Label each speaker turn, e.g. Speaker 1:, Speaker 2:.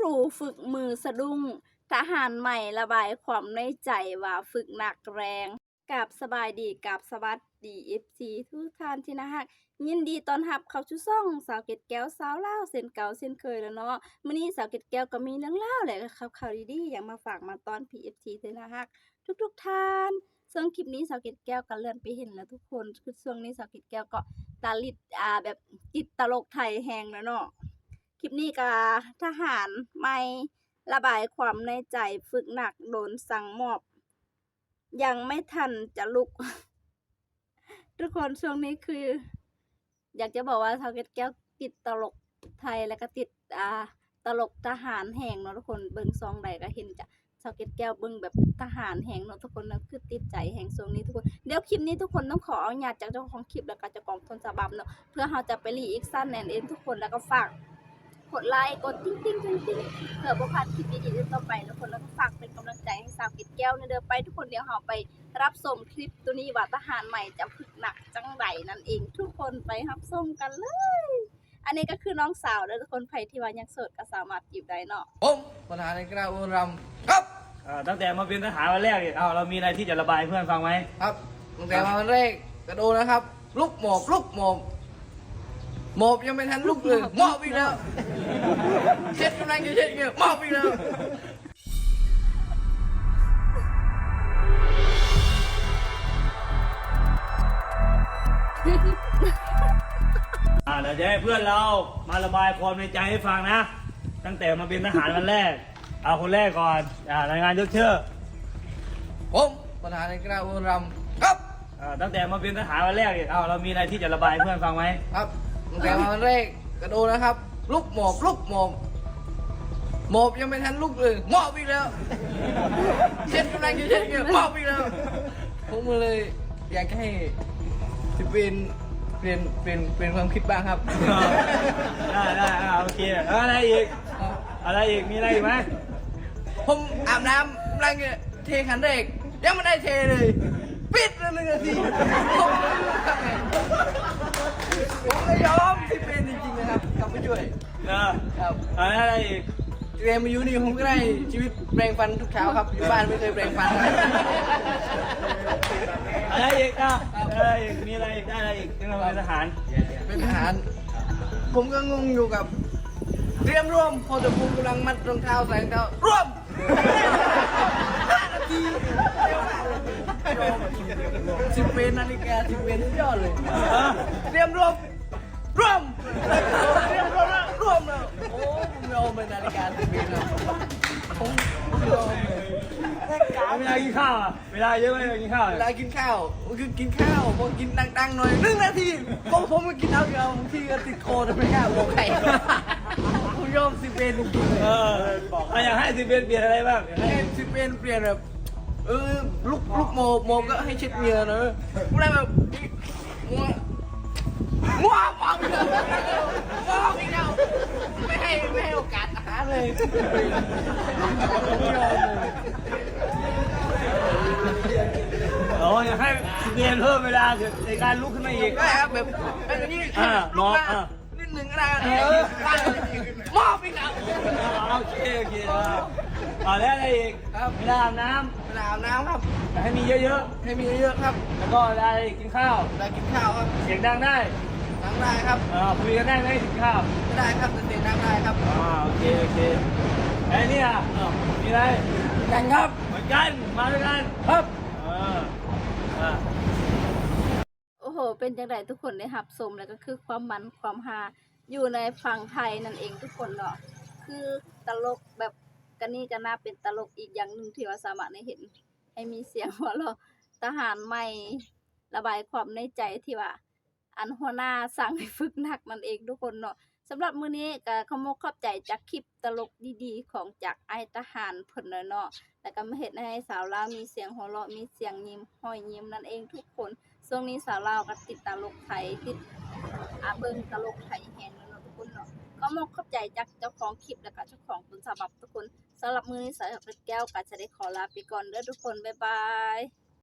Speaker 1: รูฝึกมือสะดุ้งทหารใหม่ระบายความในใจว่าฝึกหนักแรงกับสบายดีกับสวัสดีFC ทุกท่านที่นะฮะยินดีต้อนรับเข้าสู่ช่องสาวเกตแก้วสาวลาวเส้นเก่าเส้นเคยแล้วเนาะมื้อนี้สาวเกตแก้วก็มีเรื่องเล่าวแหละครับข่าวดีๆอย่างมาฝากมาตอน PFC เด้อนะฮะทุกๆท่านซึ่งคลิปนี้สาวเกตแก้วก็เลื่อนไปเห็นแล้วทุกคนคือช่วงนี้สาวเกตแก้วก็ตาลิดแบบติดตลกไทยแฮงแล้วเนาะ คลิปนี้ก็ทหารไม่ระบายความในใจฝึกหนักโดนสั่งมอบ ยังไม่ทันจะลุก ทุกคนช่วงนี้คือ อยากจะบอกว่าทาเก็ตแก้วติดตลกไทยแล้วก็ติดตลกทหารแห่งเนาะทุกคนเบิ่งซองใดก็เห็นจะชาวเก็ตแก้วเบิ่งแบบทหารแห่งเนาะทุกคนนะคือติดใจแห่งช่วงนี้ทุกคนเดี๋ยวคลิปนี้ทุกคนต้องขออนุญาตจากเจ้าของคลิปแล้วก็เจ้าของต้นฉบับเนาะเพื่อเราจะไปรีแอคชั่นแน่นเองทุกคนแล้วก็ฝากกดไลค์กดติ๊งติ๊งติ๊งติ๊งเพื่อบ่พลาดคลิปดีๆต่อไปทุกคนแล้วก็ฝากเป็นกำลังใจให้สาวกิจแก้วเด้อไปทุกคนเดี๋ยวเราไปรับชมคลิปตัวนี้ว่าทหารใหม่จะฝึกหนักจังไดนั่นเองทุกคนไปรับชมกันเลย อันนี้ก็คือน้องสาวเด้อทุกคนใครที่ว่ายังโสดก็สามารถจีบได้เนาะ
Speaker 2: ผมปัญหาในกระอุรำครับ
Speaker 3: ตั้งแต่มาเป็นทหารวันแรกเนี่ยเรามีอะไรที่จะระบายให้เพื่อนฟังไหม
Speaker 2: ครับตั้งแต่มาวันแรกกระโดดนะครับ ลุกหมอบลุกหมอบหมอบยังไม่ทันลุกเลยหมอบอีกแล้วเช็ดกำลังจะเช็ดเงี้ยหมอบอีกแล้ว
Speaker 3: เดี๋ยวจะให้เพื่อนเรามาระบายความในใจให้ฟังนะ ตั้งแต่มาเป็นทหารวันแรก เอาคนแรกก่อนรายงานยศเชื่อ
Speaker 2: ผมปัญหาในกระอุรำครับ
Speaker 3: ตั้งแต่มาเป็นทหารวันแรกเนี่ยเรามีอะไรที่จะระบายให้เพื่อนฟังไหม
Speaker 2: ครับตั้งแต่มาวันแรกกระโดดนะครับ ลุกหมอบลุกหมอบหมอบยังไม่ทันลุกเลยหมอบอีกแล้วเช็ดกำลังจะเช็ดเงี้ยหมอบอีกแล้วผมเลยอยากให้สิเปลี่ยนความคิดบ้างครับ
Speaker 3: ได้โอเคอะไรอีกมีอะไรอีกไหม
Speaker 2: ผมอาบน้ำกำลังจะเทขันแรกยังไม่ได้เทเลยปิดเลย1 นาทีผมไม่ยอมที่เป็นจริงๆนะครับกลับไปช่วยครับ
Speaker 3: อะไรอีก
Speaker 2: เรียนมาอยู่นี่ผมก็ได้ชีวิตแปรงฟันทุกเช้าครับอยู่บ้านไม่เคยแปรงฟันนะ
Speaker 3: อะไรอีกมีอะไรอีกได้อะไรอีกที่เราเป็นทหาร
Speaker 2: เป็นทหารผมก็งงอยู่กับเตรียมร่วมพอจะพูกำลังมัดรองเท้าใส่รองเท้าร่วม5 นาที10 เป็นนาฬิกา10 เป็นสุดยอดเลยเตรียมร่วมร่วมเตรียมร่วมแล้วร่วมแล้วโอ้ผมยอมเป็นนาฬิกา10 เป็นแล้วผมยอมเลย
Speaker 3: เวลากินข้าวเวลาเยอะไหมเวลากินข้าว
Speaker 2: เวลากินข้าวคือกินข้าวพอกินดังๆหน่อย1 นาทีผมก็กินเอาเดียวบางทีก็ติดคอแต่ไม่กล้าบอกใครผมยอม10 เป็นจริงๆเลย
Speaker 3: บอกอยากให้สิเป็นเปลี่ยนอะไรบ้าง
Speaker 2: ให้10 เป็นเปลี่ยนแบบลุกโมก็ให้เช็ดเหงื่อเนอะพวกนั้นแบบงัวปอกอีกแล้วปอกอีกแล้วไม่ให้โอกาสอาหารเลยผมยอมเลย
Speaker 3: อยากให้สิเปลี่ยนเพิ่มเวลาในการลุกขึ้นมาอีก
Speaker 2: ได้ครับแบบอย่างนี้
Speaker 3: มอบ
Speaker 2: นิดหนึ่งก็ได้มอบอีกแล้ว
Speaker 3: โอเคแล้วอะไรอีก
Speaker 2: ครับ
Speaker 3: เวลาอาบน้
Speaker 2: เวลาอาบน้ำครับ
Speaker 3: ำอยากให้มีเยอะ
Speaker 2: ให้มีเยอะๆครับ
Speaker 3: ๆแล้วก็เวลากินข้าว
Speaker 2: เวลากินข้าวครับ
Speaker 3: เสียงดังได้
Speaker 2: นั่งได้ครับ
Speaker 3: คุยกันได้ไหมกินข้าว
Speaker 2: ไม่ได้ครับแต่เสียงนั่งได้ครับ
Speaker 3: โอเคไอ้นี่มีอะไร
Speaker 2: กันครับ
Speaker 3: เหมือนกันมาด้วยกัน
Speaker 2: ครับ
Speaker 1: โอ้โหเป็นจังไดทุกคนได้รับชมแล้วก็คือความมันความฮาอยู่ในฝั่งไทยนั่นเองทุกคนเนาะคือตลกแบบกันนี่ก็น่าเป็นตลกอีกอย่างหนึ่งที่ว่าสามารถได้เห็นให้มีเสียงหัวเราะทหารใหม่ระบายความในใจที่ว่า อันหัวหน้าสั่งให้ฝึกหนักนั่นเองทุกคนเนาะสำหรับมื้อนี้ก็ขอบใจจากคลิปตลกดีๆของจากไอ้ทหารเพิ่นเนาะแล้วก็มาเฮ็ดให้สาวลาวมีเสียงหัวเราะมีเสียงยิ้มห้อยยิ้มนั่นเองทุกคนช่วงนี้สาวลาวก็ติดตลกไทยติดเบิ่งตลกไทยแฮงเนาะทุกคนเนาะขอบใจจากเจ้าของคลิปแล้วก็เจ้าของต้นฉบับทุกคนสำหรับมื้อนี้สาวแก้วก็จะได้ขอลาไปก่อนเด้อทุกคนบ๊ายบาย